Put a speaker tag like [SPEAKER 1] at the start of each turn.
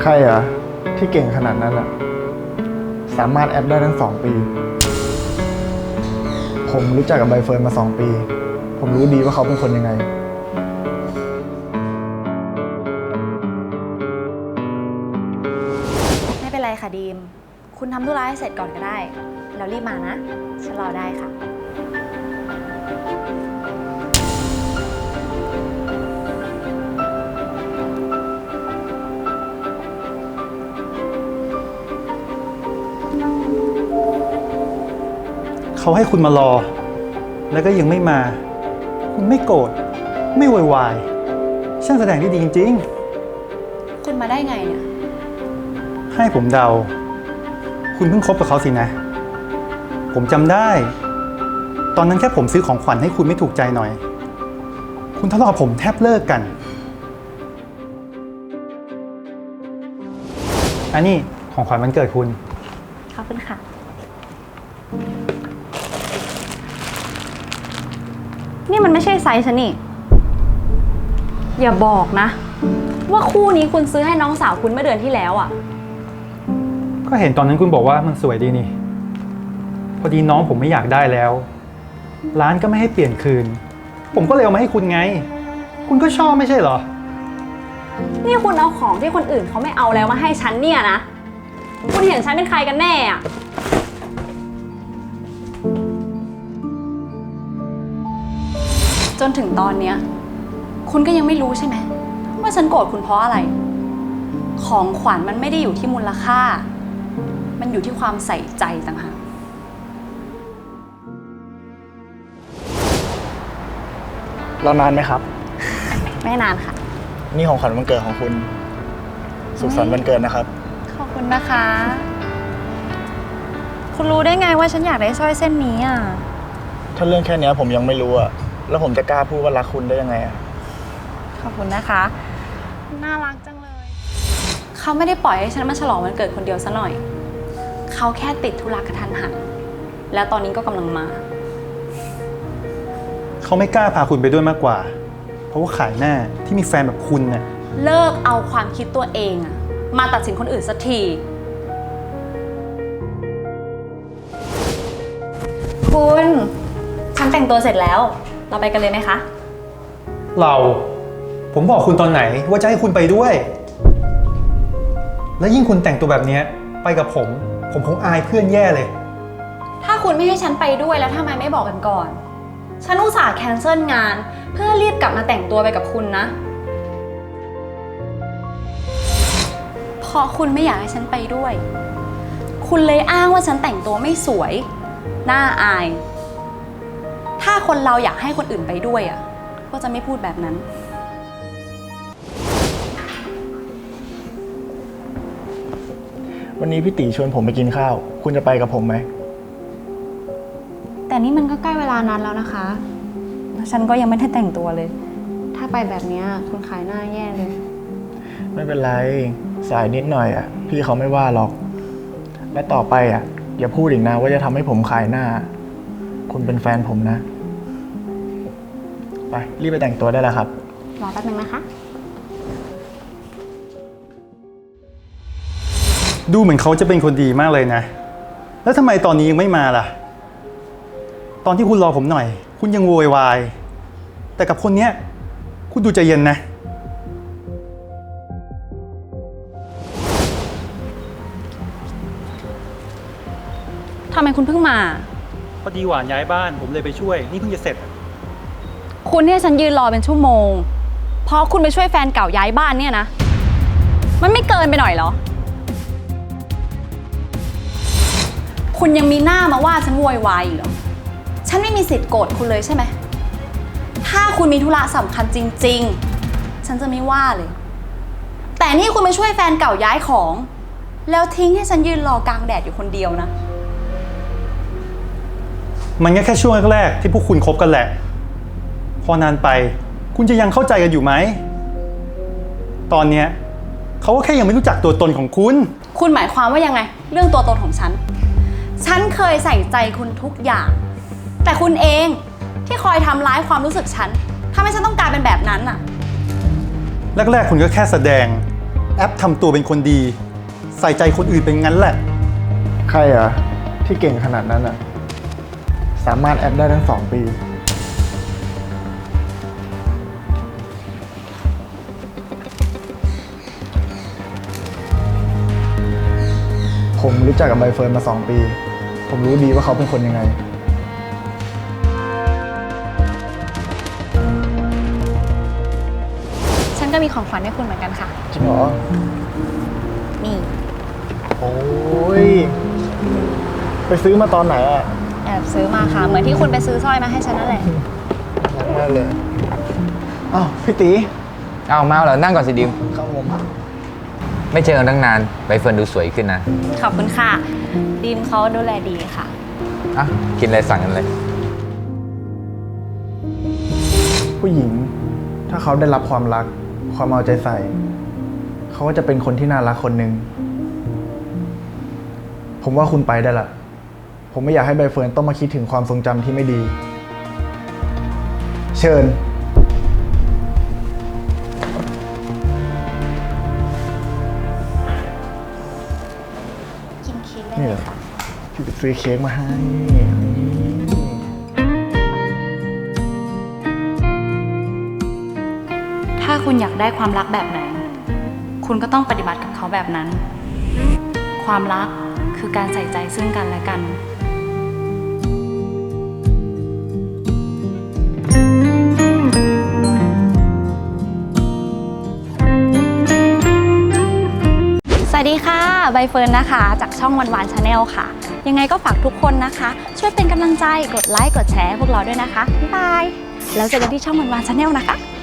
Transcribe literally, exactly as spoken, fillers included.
[SPEAKER 1] ใครอ่ะที่เก่งขนาดนั้นอ่ะสามารถแอปได้ทั้งสองปีผมรู้จักกับใบเฟิร์นมาสองปีผมรู้ดีว่าเขาเป็นคนยังไง
[SPEAKER 2] ไม่เป็นไรค่ะดีมคุณทำธุระให้เสร็จก่อนก็ได้แล้วรีบมานะฉันรอได้ค่ะ
[SPEAKER 3] เขาให้คุณมารอแล้วก็ยังไม่มาคุณไม่โกรธไม่โวยวายช่างแสดงได้ดีจริง
[SPEAKER 2] ๆคุณมาได้ไงเนี่ย
[SPEAKER 3] ให้ผมเดาคุณเพิ่งคบกับเขาสินะผมจำได้ตอนนั้นแค่ผมซื้อของขวัญให้คุณไม่ถูกใจหน่อยคุณทะเลาะกับผมแทบเลิกกันอันนี้ของขวัญวันเกิดคุณ
[SPEAKER 2] ขอบคุณค่ะนี่มันไม่ใช่ไซส์ฉันนี่อย่าบอกนะว่าคู่นี้คุณซื้อให้น้องสาวคุณเมื่อเดือนที่แล้วอ่ะ
[SPEAKER 3] ก็เห็นตอนนั้นคุณบอกว่ามันสวยดีนี่พอดีน้องผมไม่อยากได้แล้วร้านก็ไม่ให้เปลี่ยนคืนผมก็เลยเอามาให้คุณไงคุณก็ชอบไม่ใช่เหรอ
[SPEAKER 2] นี่คุณเอาของที่คนอื่นเขาไม่เอาแล้วมาให้ฉันเนี่ยนะคุณเห็นฉันเป็นใครกันแน่อะจนถึงตอนเนี้ยคุณก็ยังไม่รู้ใช่ไหมว่าฉันโกรธคุณเพราะอะไรของขวัญมันไม่ได้อยู่ที่มูลค่ามันอยู่ที่ความใส่ใจต่างหาก
[SPEAKER 1] รอนานไหมครับ
[SPEAKER 2] ไม่นานค่ะ
[SPEAKER 1] นี่ของขวัญวันเกิดของคุณสุขสันต์วันเกิดนะครับ
[SPEAKER 2] ขอบคุณนะคะคุณรู้ได้ไงว่าฉันอยากได้สร้อยเส้นนี้อ่ะ
[SPEAKER 1] ถ้าเรื่องแค่นี้ผมยังไม่รู้อ่ะแล้วผมจะกล้าพูดว่ารักคุณได้ยังไงอ่ะ
[SPEAKER 2] ขอบคุณนะคะน่ารักจังเลยเขาไม่ได้ปล่อยให้ฉันมาฉลองวันเกิดคนเดียวซะหน่อยเขาแค่ติดธุระกระทันหันแล้วตอนนี้ก็กำลังมา
[SPEAKER 3] เขาไม่กล้าพาคุณไปด้วยมากกว่าเพราะว่าขายหน้าที่มีแฟนแบบคุณเนี่ย
[SPEAKER 2] เลิกเอาความคิดตัวเองอะมาตัดสินคนอื่นสักทีคุณฉันแต่งตัวเสร็จแล้วเราไปกันเลยไหมคะ
[SPEAKER 3] เราผมบอกคุณตอนไหนว่าจะให้คุณไปด้วยและยิ่งคุณแต่งตัวแบบนี้ไปกับผมผมคงอายเพื่อนแย่เลย
[SPEAKER 2] ถ้าคุณไม่ให้ฉันไปด้วยแล้วทำไมไม่บอกกันก่อนฉันอุตส่าห์แคนเซิลงานเพื่อรีบกลับมาแต่งตัวไปกับคุณนะเพราะคุณไม่อยากให้ฉันไปด้วยคุณเลยอ้างว่าฉันแต่งตัวไม่สวยน่าอายถ้าคนเราอยากให้คนอื่นไปด้วยอ่ะก็จะไม่พูดแบบนั้น
[SPEAKER 1] วันนี้พี่ตีชวนผมไปกินข้าวคุณจะไปกับผมไหม
[SPEAKER 2] แต่นี่มันก็ใกล้เวลานั้นแล้วนะคะฉันก็ยังไม่ได้แต่งตัวเลยถ้าไปแบบนี้คุณขายหน้าแย่เลย
[SPEAKER 1] ไม่เป็นไรสายนิดหน่อยอ่ะพี่เขาไม่ว่าหรอกและต่อไปอ่ะอย่าพูดอีกนะว่าจะทำให้ผมขายหน้าคุณเป็นแฟนผมนะไปรีบไปแต่งตัวได้แล้วครับ
[SPEAKER 2] รอแป๊บนึงนะคะ
[SPEAKER 3] ดูเหมือนเขาจะเป็นคนดีมากเลยนะแล้วทำไมตอนนี้ยังไม่มาล่ะตอนที่คุณรอผมหน่อยคุณยังโวยวายแต่กับคนเนี้ยคุณดูใจเย็นนะ
[SPEAKER 2] ทำไมคุณเพิ่งมา
[SPEAKER 3] พอดีหวานย้ายบ้านผมเลยไปช่วยนี่เพิ่งจะเสร็จ
[SPEAKER 2] คุณเนี่ยฉันยืนรอเป็นชั่วโมงเพราะคุณไปช่วยแฟนเก่าย้ายบ้านเนี่ยนะมันไม่เกินไปหน่อยเหรอคุณยังมีหน้ามาว่าฉันโวยวายอีกเหรอฉันไม่มีสิทธิ์โกรธคุณเลยใช่ไหมถ้าคุณมีธุระสำคัญจริงๆฉันจะไม่ว่าเลยแต่นี่คุณไปช่วยแฟนเก่าย้ายของแล้วทิ้งให้ฉันยืนรอกลางแดดอยู่คนเดียวนะ
[SPEAKER 3] มันแค่แค่ช่วงแรกๆที่พวกคุณคบกันแหละพอนานไปคุณจะยังเข้าใจกันอยู่ไหมตอนเนี้ยเขาก็แค่ยังไม่รู้จักตัวตนของคุณ
[SPEAKER 2] คุณหมายความว่ายังไงเรื่องตัวตนของฉันฉันเคยใส่ใจคุณทุกอย่างแต่คุณเองที่คอยทำร้ายความรู้สึกฉันทำให้ฉันต้องกลายเป็นแบบนั้นน่ะ
[SPEAKER 3] แรกๆคุณก็แค่แสดงแอปทำตัวเป็นคนดี ใส่ใจคนอื่นเป็นงั้นแหละ
[SPEAKER 1] ใครอ่ะ ที่เก่งขนาดนั้นอ่ะ สามารถแอปได้ทั้งสองปี ผมรู้จักกับใบเฟิร์นมาสองปี ผมรู้ดีว่าเขาเป็นคนยังไง
[SPEAKER 2] ฉันก็มีของขวัญให้คุณเหมือนกันค่ะ
[SPEAKER 1] จริงเหรอ
[SPEAKER 2] นี่
[SPEAKER 1] โอ้ย ไปซื้อมาตอนไหนอ่ะ
[SPEAKER 2] แอบซื้อมาค่ะ เหมือนที่คุณไปซื้อสร้อยมาให้ฉันนั่นแหละ
[SPEAKER 1] รักมากเลย อ้าวพี่ตี
[SPEAKER 4] เอามาเหรอนั่งก่อนสิดิม
[SPEAKER 1] ครับผม
[SPEAKER 4] ไม่เจอกันตั้งนานใบเฟิร์นดูสวยขึ้นนะ
[SPEAKER 2] ขอบคุณค่ะ ดีมเขาดูแลดีค่ะ
[SPEAKER 4] อ่ะ กินอะไรสั่งกันเลย
[SPEAKER 1] ผู้หญิง ถ้าเขาได้รับความรัก ความเอาใจใส่ เขาก็จะเป็นคนที่น่ารักคนหนึ่ง ผมว่าคุณไปได้ละ ผมไม่อยากให้ใบเฟิร์นต้องมาคิดถึงความทรงจำที่ไม่ดี เชิญ
[SPEAKER 2] กินเค้กได้
[SPEAKER 1] นี่
[SPEAKER 2] เล
[SPEAKER 1] เหร
[SPEAKER 2] ย
[SPEAKER 1] อ
[SPEAKER 2] ค่ะ
[SPEAKER 1] พี่ไปซื้อเค้กมาให้
[SPEAKER 2] ถ้าคุณอยากได้ความรักแบบไหน คุณก็ต้องปฏิบัติกับเขาแบบนั้น ความรักคือการใส่ใจซึ่งกันและกัน สวัสดีค่ะ ใบเฟิร์นนะคะ จากช่องวันวานชาแนลค่ะ ยังไงก็ฝากทุกคนนะคะ ช่วยเป็นกำลังใจกดไลค์กดแชร์พวกเราด้วยนะคะ บ๊ายบาย แล้วเจอกันที่ช่องวันวานชาแนลนะคะ